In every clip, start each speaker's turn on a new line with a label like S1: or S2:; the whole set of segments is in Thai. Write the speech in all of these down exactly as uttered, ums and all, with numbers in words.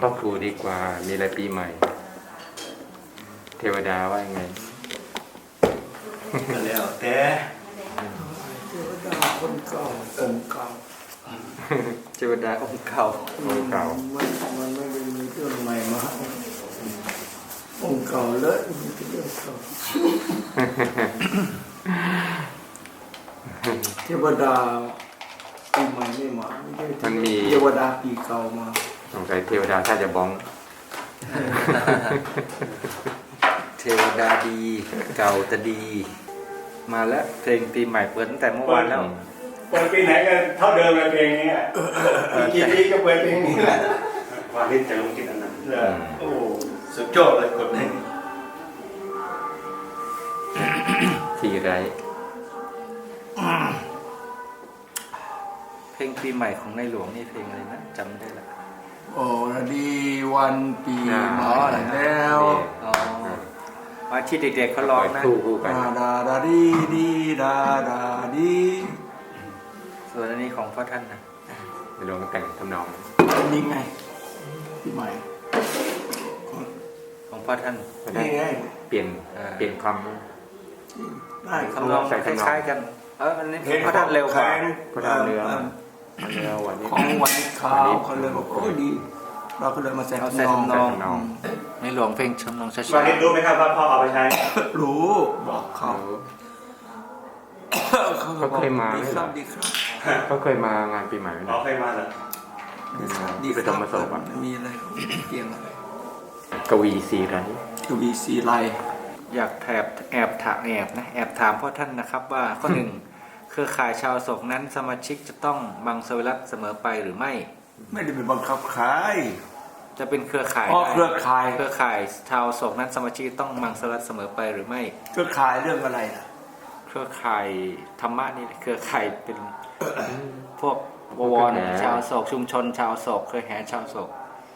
S1: พ่อครูดีกว่ามีอะไรปีใหม่เทวดาว่ายังไง
S2: ก็แล้วแต่เทวดาคนเก่าองค์เก่า
S1: เทวดาองค์เก่าองค์เก่า
S2: มันมันไม่ได้มีเรื่องใหม่มาองค์เก่าเลยมีเรื่องเก่าเทวดาปีใหม่ไม่มา
S1: มันมี
S2: เทวดาปีเก่ามา
S1: สงสัยเทวดาถ้าจะบ้อง
S3: เทวดาดีเก่าแต่ดีมาแล้วเพลงปีใหม่เปิดตั้งแต่เมื่อวานแล้ว
S4: เปิดปีไหนก็เท่าเดิมเลยเพลงนี้อีกกี่ปีก็เปิดเพลงนี้แหละวาลิศจะลงกินอันนั้นโอ้สุดยอดเลยคนนี้
S1: ทีไร
S3: เพลงปีใหม่ของในหลวงนี่เพลงอะไรนะจำได้ละ
S2: โอ้ดีวันปีใหม่แล้ว
S3: มาที่เด็กๆเขาร้องนะ
S2: ดาดาดาดีดีดาดาดี
S3: ส่วนอันนี้ของพ่อท่านนะ
S1: ในหลวงแต่งทำนอง
S2: นี่ไงปีใหม่
S3: ของพ่อท่าน
S2: นี่ไง
S1: เปลี่ยนเปลี่ยนคำ
S2: ได้
S3: คำนองคล้ายๆกันเอออันนี้พ่อท่านเร็วกว่า
S1: พ่อท่านเรือเรือวันนี้
S2: ของวันขาวเขาเลยบอกโอ้ดีเราก็เลยมาใส่
S3: ทำนองในหลวงเพลงทำนองช้าๆ
S4: วาลิศรู้ไหมครับว่าพ่อเอาไปใช้
S2: รู้บอกเขา
S1: เขาเคยมา
S2: ดีครับดีครับ
S1: เขาเคยมางานปีใหม่ไหม
S4: เขาเคยมาเหรอ
S2: ดีไปทำมาสอบมีอะไรเกี่ยงอะไร
S1: กวีสีไร
S2: กวีสีไร
S3: อยากแอบแอบถามแอบนะแอบถามพ่อท่านนะครับว่าข้อหนึ่งเครือข่ายชาวโศกนั้นสมาชิกจะต้องบังสวิรัติเสมอไปหรือไม่
S2: ไม่ได้เป็นบังคับใคร
S3: จะเป็นเครือข่าย
S2: อ๋อเครือข่าย
S3: เครือข่ายชาวโศกนั้นสมาชิกต้องบังสวิรัติเสมอไปหรือไม่
S2: เครือข่ายเรื่องอะไรล่ะ
S3: เครือข่ายธรรมะนี่เครือข่ายเป็นพวกบวรชาวโศกชุมชนชาวโศกเครือแห่ชาวโศก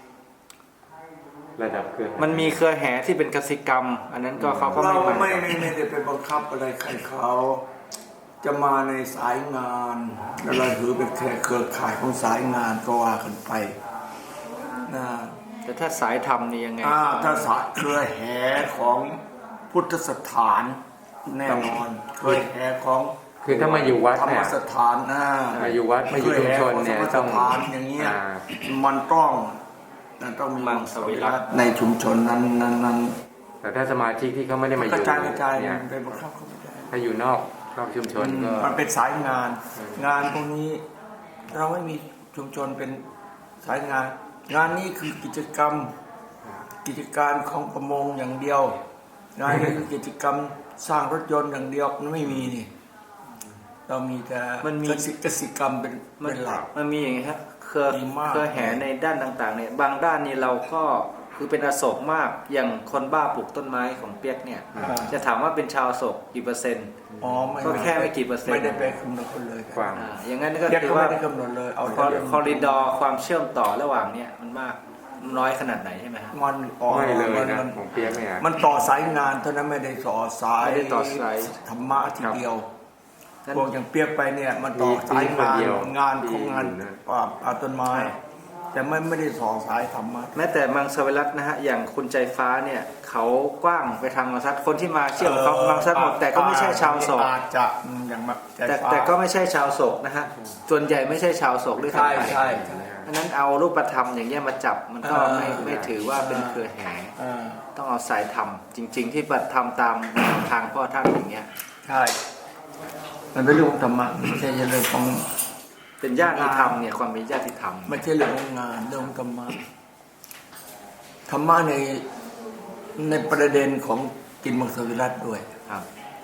S1: ระดับเครือ
S3: มันมีเครือแห่ที่เป็นกสิกรรมอันนั้นก็เขาก็
S2: ไม่เราไม่ไม่ได้เป็นบังคับอะไรใครเขาจะมาในสายงานแล้วเราถือเป็นแค่เครือข่ายของสายงานก็ว่ากันไปนะ
S3: แต่ถ้าสายธรรมนี่ยังไง
S2: ถ้าสายเครือแห่ของพุทธสถานแน่นอนเครือแห่ของ
S1: คือถ้ามาอยู่วัดเนี่ย
S2: ธรรมสถานนะ
S1: มาอยู่วัดมาอยู่ชุมชนเนี่ย
S2: ต้องอย่างเงี้ยมันต้องต้องมี
S3: บังสวิรัติ
S2: ในชุมชนนั้นนั้น
S1: แต่ถ้าสมาชิกที่เขาไม่ได้มาอยู่
S2: กระจายกระจายเนี่ยเป็นบังคับเขาไม่ได้
S1: ถ้าอยู่นอกนอกชุมชนก็
S2: มันเป็นสายงานงานพวกนี้เราไม่มีชุมชนเป็นสายงานงานนี้คือกิจกรรมกิจการของประมงอย่างเดียวงานนี้คือกิจกรรมสร้างรถยนต์อย่างเดียวมันไม่มีนี่เรามีแต่
S3: มันมี
S2: กสิกรรมเป็นเป็นหลัก
S3: มันมีอย่างนี้ครับเครือเครือแห่ในด้านต่างๆเนี่ยบางด้านนี่เราก็คือเป็นอโศกมากอย่างคนบ้าปลูกต้นไม้ของเปียกเนี่ยจะถามว่าเป็นชาวโศกกี่เปอร์เซ็นต์ก็แค่ไม่กี่เปอร์เซ็นต์
S2: ไม่ได้ไปคำนวณเลย
S1: กว้าง
S3: อย่างนั้นก็คือว่า
S2: คำนวณเลยเอา
S3: คอริดอร์ความเชื่อมต่อระหว่างเนี่ยมันมากน้อยขนาดไหนใช่ไหมครับ
S2: มัน
S1: ไม่เลยนะของเปียกเนี่ย
S2: มันต่อสายงานเท่านั้นไม่ได้ต่อสาย
S3: ไม่ได้ต่อสาย
S2: ธรรมะทีเดียวพวกอย่างเปียกไปเนี่ยมันต่อสายงานงานของงานป่าต้นไม้แต่ไม่ไม่ได้สอนสายธรรมะ
S3: แม้แต่มังสวิรัตินะฮะอย่างคุณใจฟ้าเนี่ยเขากว้างไปทางมังสัตคนที่มาเชื่อมเขามังสัตหมดแต่ก็ไม่ใช่ชาวโศก
S2: จะอย่าง
S3: แต่แต่ก็ไม่ใช่ชาวโศกนะฮะส่วนใหญ่ไม่ใช่ชาวโศกด้วยทั้งไปอันนั้นเอารูปธรรมอย่างเงี้ยมาจับมันก็ไม่ไม่ถือว่าเป็นเครือแห่ต้องเอาสายธรรมจริงๆที่ปฏิธรรมตามทางพ่อท่านอย่างเงี้ย
S2: ใช่มันเป็นเรื่องธรรมะไม่ใช่เรื่องของ
S3: เป็นญาติธรรมเนี่ยความมีญาติธรรม
S2: ไม่ใช่เรื่องของงานเรื่องของธรรมะธรรมะในในประเด็นของกินมังสวิรัติด้วย
S3: ครับ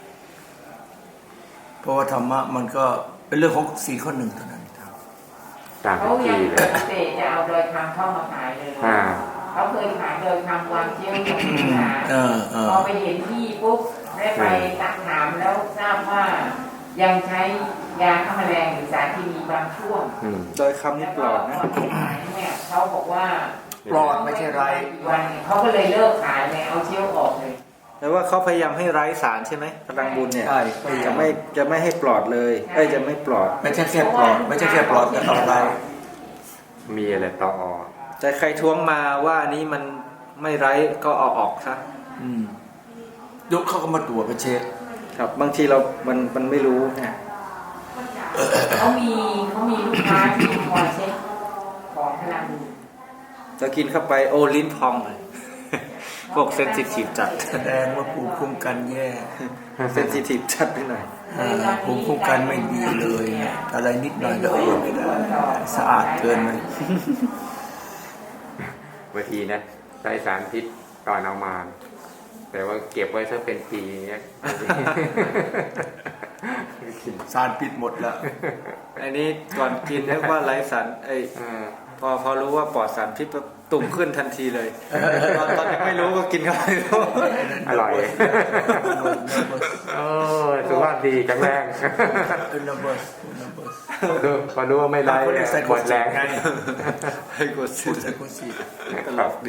S2: เพราะว่าธรรมะมันก็เป็นเรื่องของสี่ข้อหนึ่งเท่านั้นครับ
S5: เขาอยากเกษตรจะเอาโดยทำเข้ามาขายเลยเขาเคยขายโดยทำความเชี่ยวชาญพอไปเห็นที่ปุ๊บได้ไปตักถามแล้วทราบว่ายังใช้ยาฆ่าแมลงหรือสารเคมีบางช่วง
S3: โดยคำนี้ปลอดนะ
S5: เนี่ยเขาบอกว่า
S2: ปลอดไม่ใช่ไร
S5: วันเขาก็เลยเลิกขายเลยเอาเชี่ยวออกเลย
S3: แต่ว่าเขาพยายามให้ไร้สารใช่ไหมพลังบุญเนี่ยจะไม่จะไม่ให้ปลอดเลยเอ้ยจะไม่ปลอด
S2: ไม่ใช่แค่ปลอดไม่ใช่แค่ปลอดแต่ต่อไป
S1: มีอะไรต่อ
S3: จแต่ใครท้วงมาว่านี้มันไม่ไร้ก็เอาออกซะ
S2: อืมยกเขาก็มาตรวจมาเช็ค
S3: ครับบางทีเรา มันมันไม่รู้ไง
S5: เขามีเขามีลูกค้าที่คอยเช็คของพลัง
S3: จะกินเข้าไปโอลิ้นพองเลย พวกเซนซิทีฟจัด
S2: แสดงว่าภูมิคุ้มกันแย่
S3: เซนซิทีฟจัดไปหน่อย
S2: อ่าภูมิคุ้มกันไม่ดีเลยอะไรนิดหน่อยก็เออไม่ได้สะอาดเกินไป
S1: บางทีนะใช้สารพิษก่อนเอามา แต่ว่าเก็บไว้สักเป็นปีเนี้ย
S2: สารพิษหมดแล้ว
S3: อันนี้ก่อนกินนึกว่าไร้สารไอย
S1: อ่า
S3: พอพอรู้ว่าปลอดสารพิษปุ๊บตุ่มขึ้นทันทีเลยตอนตอนยังไม่รู้ก็กินเข้าไปรู้
S1: อร่อยโอ้สุขภาพดีแข็งแรง
S2: เป็นระเบิดระเบิด
S1: ดูพอรู้ว่าไม่ไร้
S2: เขาเรียกไซโค
S1: หมด
S2: ซิ
S1: แร
S2: ส
S1: ง
S2: ไง
S3: ให้กด
S2: พู
S3: สิ
S2: ดไซโคซิส
S3: ตลกดี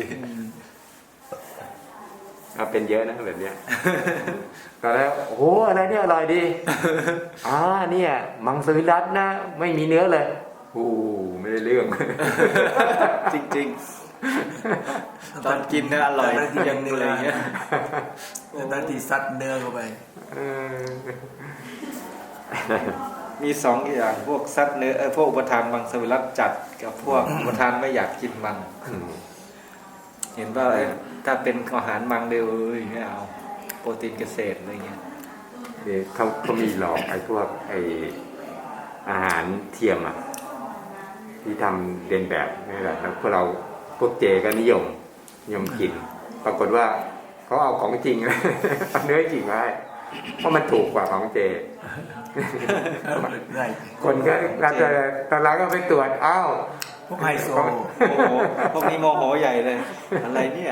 S1: เอาเป็นเยอะนะแบบเนี้ยก็แล้วโอ้โหอะไรเนี่ยอร่อยดีอ่าเนี่ยมังสวิรัตนะไม่มีเนื้อเลยโอ้ไม่ได้เรื่อง
S3: จริงๆ ตอนกินเนี่ยอร่อยยังเลยเงี้ย
S2: แต่นาทีซัดเนื้อเข้าไป
S1: เออ
S3: มีสองอย่างพวกซัดเนื้อเออพวกอุปทานมังสวิรัตจัดกับพวกอุปทานไม่อยากกินมัง เห็นว่าถ้าเป็นอาหารมังเดียวไม่เอาโปรตีนเกษตรอะไรเงี้ย
S1: เดี๋ยวเขาเขามีหลอกไอ้พวกไอ้อาหารเทียมอ่ะที่ทำเรียนแบบนี่แหละแล้วพวกเราพวกเจก็นิยมนิยมกิน ปรากฏว่าเขาเอาของจริง เอาเนื้อจริงมาให้เพราะมันถูกกว่าของเจ
S2: ได้
S1: คนก็รับแต่ตอนหลังก็ไปตรวจอ้าว
S2: พวกไฮโซ
S3: โอ้โหพวกนี้โมโหใหญ่เลย อะไรเนี่ย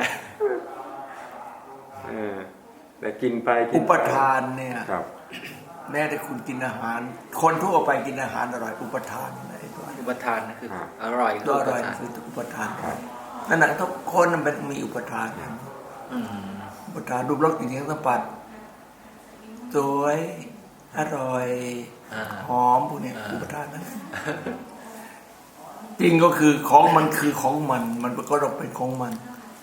S1: เออแต่กินไปกิ
S2: อุ
S1: น
S2: ป
S1: ไป
S2: ทานเนี่ย
S1: ครับ
S2: แม้แต่คุณกินอาหาร คนทั่วไปกินอาหารอร่อยอุปทานอะไรตัว
S3: อุปทานนะคืออร่อย
S2: ก็อร่อยคืออุปทานนั่นแหละทุกคนมันมีอุปทานกัน
S3: อืม
S2: อุปทานรูปรสกลิ่นเสียงสัมผัสสวยอร่อย
S3: อ่า
S2: หอมพวกเนี้ยอุปทานนะจริงก็คือของมันคือของมัน มันก็ต้องเป็นของมัน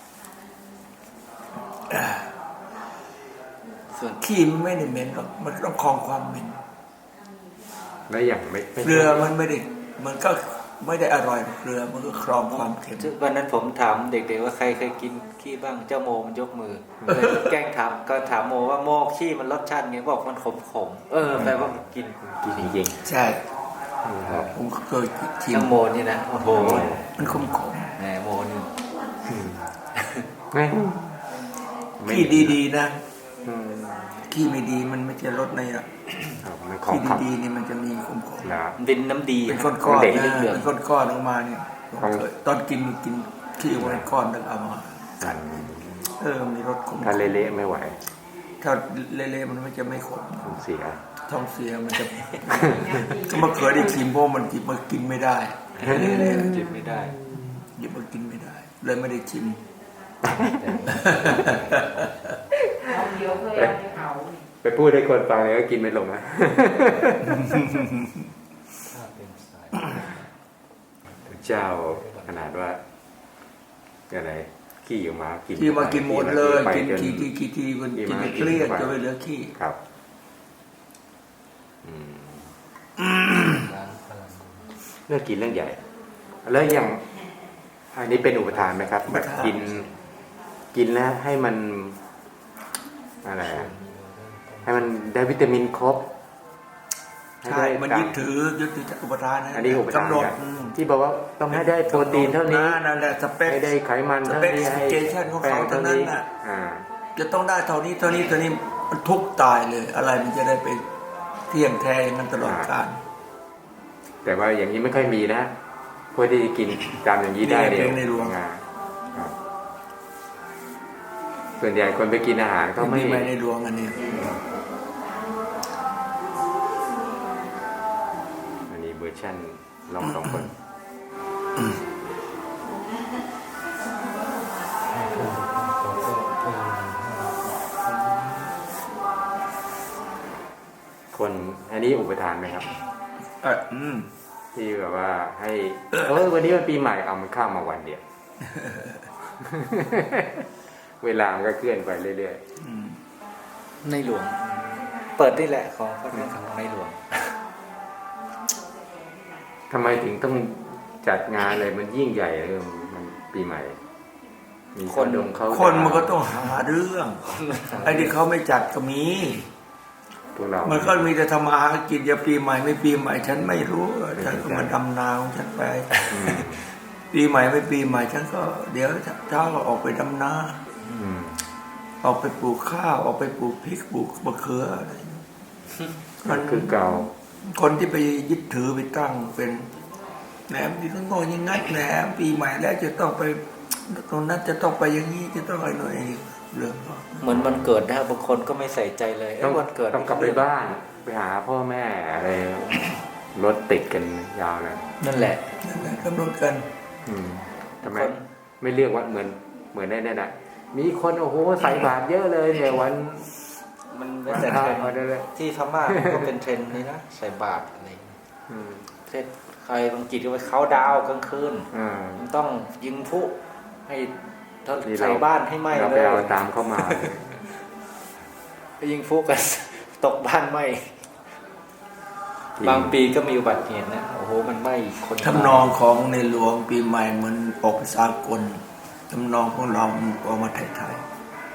S3: ส่วน
S2: ขี้มันไม่ได้เหม็นหรอกมันต้องคลองความเหม็น
S1: แล้วอย่างไม่ไม่
S2: เกลือมันไม่ได้มันก็ไม่ได้อร่อยเกลือมันก็คลองความเค็ม
S3: วันนั้นผมถามเด็กๆว่าใครเคยกินขี้บ้างเจ้าโมมันยกมือเลยแกล้งถามก็ถามโมว่าโมขี้มันรสชาติไงบอกมันขมๆเออแปลว่ามันกิน
S1: กินจริง
S2: ใช่
S1: ๆครับ
S2: ผมเคยชิม
S3: เจ้าโมนี่นะโอ้โห
S2: มันขมขม
S3: แหมโมนี่
S1: ไม่
S2: ๆขี้ดีๆนะ
S1: อืม
S2: ขี้ไม่ดีมันไม่ใช่รสในอ่ะ
S1: ครับมันของ
S2: ขี้
S1: ขับ
S2: ดีๆนี่มันจะมีขมขม
S1: นะ
S3: ดินน้ำดี
S2: เป็นก้อนๆ
S1: เด็ก
S2: นะ
S3: เหลือง
S2: เป็นก้อนๆออกมาเนี่ยผมเคยตอนกินกินขี้ไว้ก้อนนึงเอามาเออมีรสขม
S1: ถ้าเละๆไม่ไหว
S2: ถ้าเละๆมันไม่จะไม่ขม
S1: ผมเสีย
S2: ท้องเสียมันจะก็มาเคยได้ชิมเพราะมันหยิบมากินไม่ได้เละ
S3: จิบไม่ได้
S2: ๆหยิบมากินไม่ได้ เลยไม่ได้ชิม
S5: เอาเดียวเคยเอาไปเผา
S1: ไปพูดให้คนฟังเลยก็กินไม่ลงนะ เจ้าขนาดว่าอะไรขี้ออกมากิน
S2: ขี้มากินหมดเลย
S1: ไป
S2: กิน
S1: จ
S2: ขี้ทีขี้ทีมัน
S1: ขี้
S2: กิน
S1: มา
S2: เกลี้ยง
S1: ไป
S2: จนไม่เหลือขี้
S1: ครับอืมเรื่องกินเรื่องใหญ่ แล้วอย่างอันนี้เป็นอุปทานไหมครับแบบกิน กินแล้วให้มันอะไรอะให้มันได้วิตามินครบ
S2: ใช่มันยึดถือยึดถือจากอุปทานนะ
S1: อันนี้อุปทาน
S2: กำหนด
S1: กัน
S2: อืม
S1: ที่บอกว่าต้องให้ได้โปรตีนเท่านี้
S2: นั่นแหละสเปค
S1: ให้ได้ไขมัน
S2: ส
S1: เท่า
S2: เปค
S1: นี้ให้
S2: เจชั่นของ
S1: แป้
S2: เขา
S1: ง
S2: เท่า
S1: เท่า
S2: นั้น
S1: นี้
S2: น่ะ
S1: อ่า
S2: จะต้องได้เท่านี้เท่านี้เท่านี้มันทุกตายเลย อะไรมันจะได้ไปเที่ยงแท้อย่างนั้นตลอดกาล
S1: แต่ว่าอย่างนี้ไม่ค่อยมีนะพวกที่กินตามอย่างนี้ได้
S2: นี่
S1: เดียว
S2: ในหลวง
S1: อ่าครับส่วนใหญ่คนไปกินอาหารก็ไม่
S2: มีไหมในหลวงอันนี้
S1: อันนี้เวอร์ชันลองสองคน คนอันนี้อุปทานไหมครับ
S2: เอออืม
S1: ที่แบบว่าให้เออวันนี้มันปีใหม่เอามันข้ามมาวันเดียว
S2: อ
S1: เวลามันก็เคลื่อนไปเรื่อย
S2: อืม
S3: ในหลวง เปิดนี่แหละของพระเรื่องของในหลวง
S1: ๆทำไมถึงต้องจัดงานอะไรมันยิ่งใหญ่เลยมันปีใหม่ มี
S3: คน
S1: ดงเขา
S2: คนมันก็ต้องหาเรื่องไอ้ที่เขาไม่จัดก็มี
S1: พวกเรา
S2: มันก็มีแต่ทำมาหากินอย่าปีใหม่ไม่ปีใหม่ฉันไม่รู้ฉันก็มาดำนาของฉันไป
S1: อืม
S2: ปีใหม่ไม่ปีใหม่ฉันก็เดี๋ยวเช้าก็ออกไปดำนา
S1: อืม
S2: ออกไปปลูกข้าวออกไปปลูกพริกปลูกมะเขืออะไร
S1: มันคือเก่า
S2: คนที่ไปยึดถือไปตั้งเป็นแหนมที่ต้องโง่อยังงั้นแหนมปีใหม่แล้วจะต้องไปตรงนั้นจะต้องไปอย่างนี้จะต้องอะไรหน่อยเรื่องก็
S3: เหมือนวันเกิดนะบางคนก็ไม่ใส่ใจเลย
S1: ต้อ
S3: เอ้
S1: ง
S3: ยวันเกิด
S1: ต้องกลับไปบ้านไปหาพ่อแม่อะไรรถติดกันยาวเลย
S3: นั่นแหละ
S2: นั่นแหละกำหนดกัน
S1: อืมทำไม
S3: คน
S1: ไม่เรียกว่าเหมือนเหมือนในนั่นน่ะมีคนโอ้โหใส่บาตรเยอะเลยเนี่ยวัน
S3: มัน
S1: วั
S3: เป็น
S1: น
S3: แต่
S1: พ
S3: เท
S1: ระ
S3: รนด์
S1: วันอะไร
S3: ที่พม่าก็เป็นเทรนด์นี่นะใส่บาตรอะไร
S1: อืม
S3: เทศใครบางกิจก็ไปเขาดาวกลางคืน
S1: อ่า
S3: มันต้องยิงพลุให้
S1: นี่เรา
S3: ใส่บ้านให้ไหม้
S1: เรา
S3: เล
S1: ไป
S3: ย
S1: เอาตามเข้ามาเลย
S3: ไปยิงพลุกัน ตกบ้านไหม้บางปีก็มีอุบัติเหตุนะโอ้โหมันไหม้คน
S2: ทำนองของในหลวงปีใหม่เหมือนออกไปสากลทำนองของเราออกมาไทย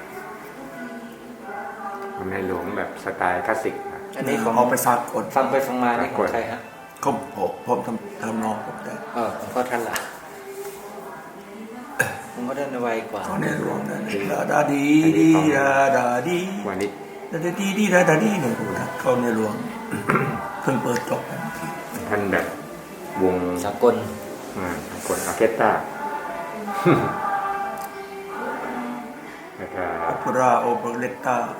S1: ในหลวงแบบสไตล์คลาสสิกนะ
S2: ๆ
S3: อันนี้ของ
S2: ออกไปสากล
S3: ฟังไปฟังมานี่ของใครฮะ
S2: เขาผมผมทำทำนองผมได้
S3: เออของพ่อท่านละผมก็ได้ไวกว่า
S2: เขาในหลวงนั่นดาดาดีดีดาดาดี
S1: วันนี้
S2: ดาดาดีดีดาดาดีเนี่ยเขาในหลวง เพิ่งเปิดจบกัน
S1: ท่านแบบวง
S3: สากล
S1: อ่ากดออร์เคสตราแล้วก็
S2: โอเปร่าโอเปเรตตา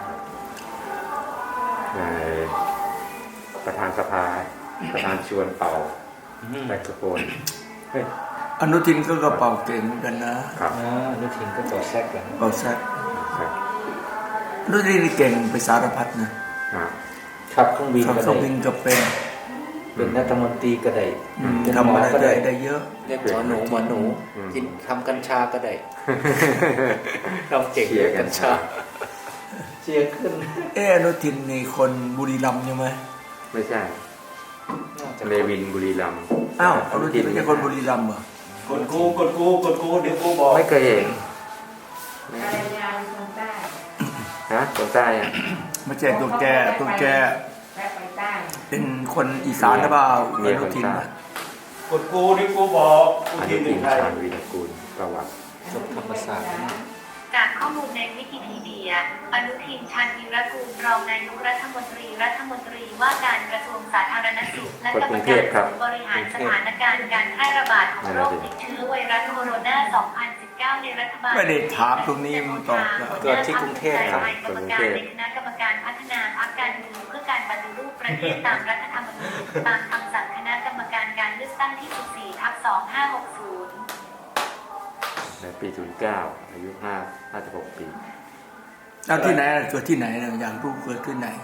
S1: ในประธานสภาประธานชวนเป่าแซกโซโฟนเฮ้ย
S2: อนุทินก็กระเป๋าเก่งเหมือนกันนะครับ
S3: อ่านุทินก็ต่อแซกแล้ว
S2: เป่าแซก
S1: ครับ
S2: อนุทินนี่เก่งไปสารพัดนะ
S1: อ่า
S3: ขับเครื่องบิน
S2: ขับ
S3: ก็
S2: เครื่
S3: ได้
S2: องบินก็เป็น
S3: เป็นรัฐมนตรีก็ได้
S2: อืม
S3: เป็นห
S2: ทำ
S3: มอ
S2: อะไร
S3: ก็
S2: ได้
S3: ได้
S2: ได้เยอะ
S3: เรียกหมอหนูหมอหนูกินทำกัญชาก็ได้ทำเก่ง
S1: เชียร์กั
S3: กั
S1: ญ
S3: ญ
S1: ชา
S3: ชาเชียร์ขึ้น
S2: เอออนุทินนี่คนบุรีรัมย์ใช่ไหม
S1: ไม่ใช่
S3: น่าจะ
S1: เนวินบุรีรัมย์
S2: อ้าวอนุทินไม่ใช่คนบุรีรัมย์เหรอก
S4: ดกูกดกูกดกูเดี๋ยวกูบอก
S1: ไม่เคยเห็น
S5: ภรรยาเป็นคนใต้
S1: นะคนใต้อะ
S2: ไม่ใช่ตัวแกตัวแก
S5: แวะไปใต้
S2: เป็นคนอีสานหรือเปล่าอนุทินน่ะ
S4: กดกูเดี๋ยวกูบอกกู
S1: อ
S4: ที
S1: นุ
S4: ห
S1: ทิ
S4: นึ่
S1: น
S4: งใคร
S1: ชาญวีรกูลประวัติ
S3: จบธรรมศาสตร์
S6: จากข้อมูลในวิกิพีเดีย อนุทิน ชาญวีรกูล รองนายกรัฐมนตรี รัฐมนตรีว่าการกระทรวงสาธารณสุข และกรรมการศูนย์บริหารสถานการณ์การแพร่ระบาดของโรคติดเชื้อไวรัสโคโรนา สองพันสิบเก้า ในรัฐบาล
S2: ไม่ได้ถามตรงนี้มันตอบได้
S3: เกิดที่กรุงเทพครับ
S6: กรรมการในคณะกรรมการพัฒนาพรรคการเมืองเพื่อการปฏิรูปประเทศตามรัฐธรรมนูญตามคำสั่งคณะกรรมการการเลือกตั้งที่ สิบสี่ ทับ สองพันห้าร้อยหกสิบ
S1: ในปีศูนย์เก้าอายุห้าห้าสิบหกปี
S2: แล้วที่ไหนล่ะเกิดที่ไหนนะอยากรู้เกิดที่ไหน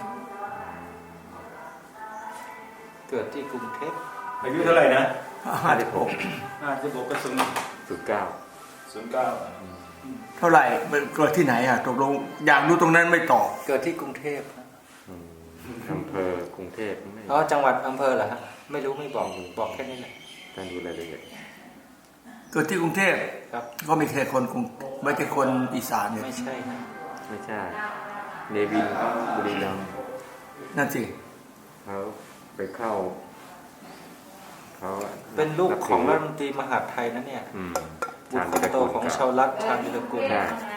S3: เกิดที่กรุงเทพ
S4: อายุเท่าไหร่นะ
S2: ห้าสิบหก
S4: ห้าสิบหกกระสุน
S1: ศูนย์เก้า
S4: ศูนย์เก้า
S2: เท่าไหร่มันเกิดที่ไหนอ่ะตกลงอยากรู้ตรงนั้นไม่ตอบ
S3: เกิดที่กรุงเทพนะ
S1: อืมอำเภอกรุงเทพไม่
S3: อ๋อจังหวัดอำเภอเหรอฮะไม่รู้ไม่บอกบอกแค่นี้แหละ
S1: การดูรายละเอียด
S2: เกิดที่กรุงเทพ
S3: ครับ
S2: ก็ไม่ใช่คนกรุงไม่ใช่คนอีสานเนี่ย
S3: ไม่ใช่นะ
S1: ไม่ใช่เนวินบุรีรัมย์
S2: นั่นสิ
S1: เขาไปเข้าเขา
S3: เป็นลูกของรัฐ
S1: นับ
S3: มนตรีมหาดไทยนะเนี่ย
S1: อืม
S3: บุตรคนโตของชาวรัฐชาญวิรกุล
S1: ใช่